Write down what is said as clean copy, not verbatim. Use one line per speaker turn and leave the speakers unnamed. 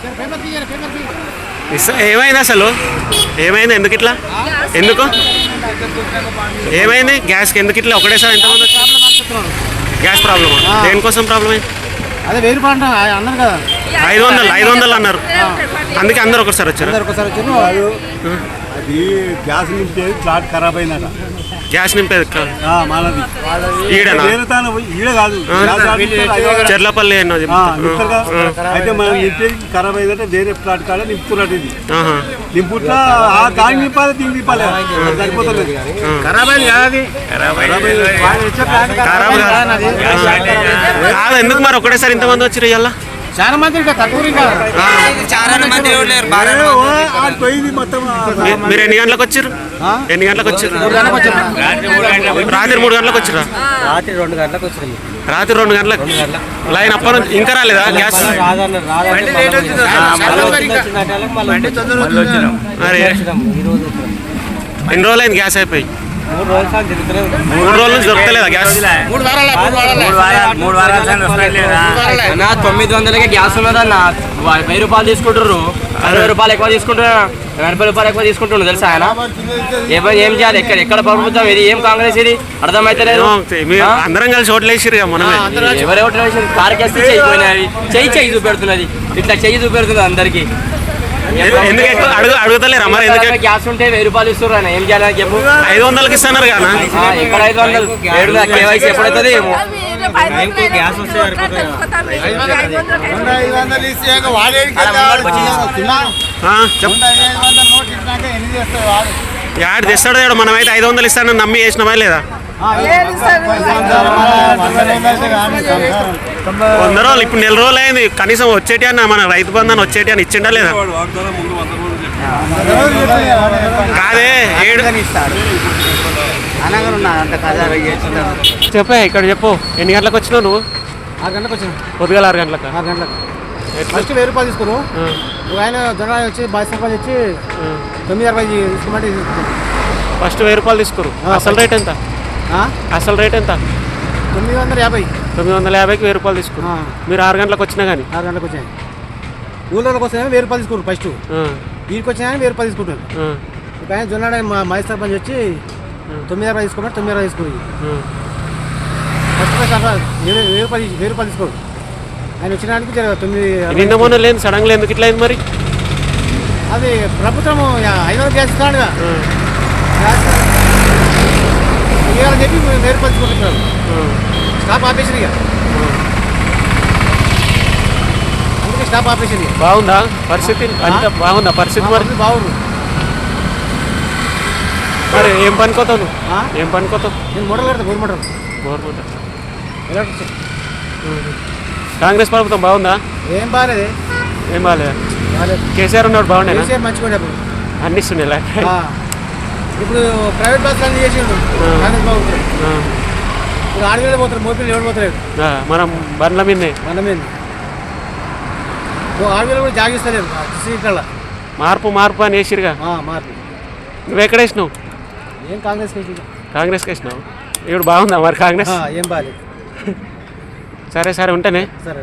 ఏమైంది అసలు? ఏమైంది? ఎందుకు ఇట్లా? ఎందుకు ఏమైంది? గ్యాస్కి ఎందుకు ఇట్లా ఒకటేసారి ఎంతమంది వచ్చారు? గ్యాస్ ప్రాబ్లమా? దేనికోసం ప్రాబ్లం అయింది?
అదే 1000 రూపాయలు అన్నారు కదా,
500 అన్నారు. అందుకే అందరు ఒకసారి వచ్చారు.
అది గ్యాస్ నింపేది ఫ్లాట్ ఖరాబ్ అయిందట.
గ్యాస్ నింపేది
మనది ఈడ కాదు,
చెర్లపల్లి
అయితే మనం నింపేది ఖరాబ్ అయిందంటే వేరే ఫ్లాట్ కాడ నింపుతున్నట్టు. ఇది నింపుట్లా దానికి నింపాలి, దీనికి నింపాలి, సరిపోతుంది.
కాదు ఎందుకు మరి ఒకటేసారి ఇంతమంది వచ్చారు? ఇవాళ
చాలా మంది
పోయింది మొత్తం.
మీరు ఎన్ని గంటలకు వచ్చారు? ఎన్ని గంటలకు వచ్చారు? రాత్రి 3 గంటలకు వచ్చారా?
రాత్రి 2 గంటలకు వచ్చింది.
రాత్రి 2 గంటలకు లైన్ అప్పటి నుంచి ఇంకా రాలేదా గ్యాస్? అరే ఎన్ని రోజులు అయింది గ్యాస్ అయిపోయి? 3 రోజుల నుంచి దొరకలేదా గ్యాస్?
900కే గ్యాస్ ఉన్నదన్న. 1000 రూపాయలు తీసుకుంటారు, 60 రూపాయలు ఎక్కువ తీసుకుంటున్నారు, 80 రూపాయలు ఎక్కువ తీసుకుంటున్నారు తెలుసా ఆయన. ఏం చేయాలి? ఎక్కడ ప్రభుత్వం ఇది? ఏం కాంగ్రెస్ ఇది? అర్థమైతే లేదు.
అందరం కలిసి ఓట్లు వేసిరు మనమే.
ఎవరు ఓట్లు వేసారు? కారుకేస్తే చెయ్యిపోయినవి, చెయ్యి చూపెడుతున్నది, ఇట్లా చెయ్యి చూపెడుతుంది అందరికి.
ఎందుకు అడుగుతలేరా మరి? ఎందుకు
గ్యాస్ ఉంటే 1000 రూపాయలు ఇస్తారు ఆయన, ఏం చేయాలని చెప్పు.
500కి ఇస్తున్నారు కదా.
ఎక్కడ 500? 7 కేవైసీ ఎప్పుడైతుంది ఏమో.
యాడ్ తెస్తాడు తేడు. మనమైతే 500 ఇస్తానని నమ్మి చేసినవా లేదా? 100 రోజులు ఇప్పుడు 4 రోజులు అయింది. కనీసం వచ్చేటి అన్న మన రైతు బంధాన్ని వచ్చేటి అని ఇచ్చిండా లేదా? కాదే చెప్పే ఇక్కడ చెప్పు. ఎన్ని గంటలకు వచ్చినావు నువ్వు?
6 గంటలకు వచ్చాను.
పొద్దుగాల 6 గంటలకు.
6 గంటలకు ఫస్ట్ 1000 రూపాయలు తీసుకున్నావు. ఆయన జొన్న వచ్చి 22 రూపాయలు వచ్చి 960 తీసుకోమంటే
ఫస్ట్ 1000 రూపాయలు తీసుకోరు. అసలు రేట్ ఎంత? అసలు రేట్ ఎంత?
950.
950కి 1000 రూపాయలు తీసుకురు. మీరు 6 గంటలకు వచ్చినా కానీ?
6 గంటలకు వచ్చాయి. ఊళ్ళోకి వస్తే 1000 రూపాయలు తీసుకురు ఫస్ట్. వీరికి వచ్చినా 1000 రూపాయలు తీసుకుంటారు. ఒక ఆయన జొన్నాడ మైస్ సర్పంచ్ వచ్చి 960 తీసుకోమంటే 960 తీసుకుని ఫస్ట్ 1000 రూపాయలు తీసుకోరు. ఆయన వచ్చినానికి 9.
నిన్న మొన్న లేదు సడన్గా ఎందుకు ఇట్లా అయింది మరి?
అది ప్రభుత్వం 500 గ్యాస్ ఇస్తాడుగా, ఇవ్వాలని చెప్పి 1000 రూపాయలు తీసుకుంటున్నారు. స్టాప్ ఆపేసింది ఇక, అందుకే స్టాప్ ఆపేసింది.
బాగుందా పరిస్థితి? అంత బాగుందా పరిస్థితి? మరి
బాగుంది.
మరి ఏం పనుకోతావు నువ్వు? ఏం పనుకోతావు?
నేను మోటార్ కడతా, గవర్నమెంట్.
కాంగ్రెస్ ప్రభుత్వం బాగుందా?
ఏం బాగాలేదు.
ఏం బాగాలేదా? కేసీఆర్ ఉన్నాడు బాగుండే.
మంచిగా
అన్ని ఇస్తుండే.
ఇప్పుడు ప్రైవేట్ బస్సులు అన్ని చేసిండు కాంగ్రెస్ బాగుంటుంది. ఇప్పుడు 6 వేలు పోతారు, మోపిల్లు ఎవరు పోతలేదు.
మనం బండ్ల మీదే
6 వేలు కూడా జాగిస్తలేదు సీట్ల.
మార్పు అని వేసిరుగా.
మార్పు.
నువ్వు ఎక్కడ వేసినావు?
ఏం కాంగ్రెస్
కాంగ్రెస్కి వేసినావు. ఇప్పుడు బాగుందా మరి కాంగ్రెస్?
ఏం బాగాలేదు.
సరే ఉంటేనే.
సరే.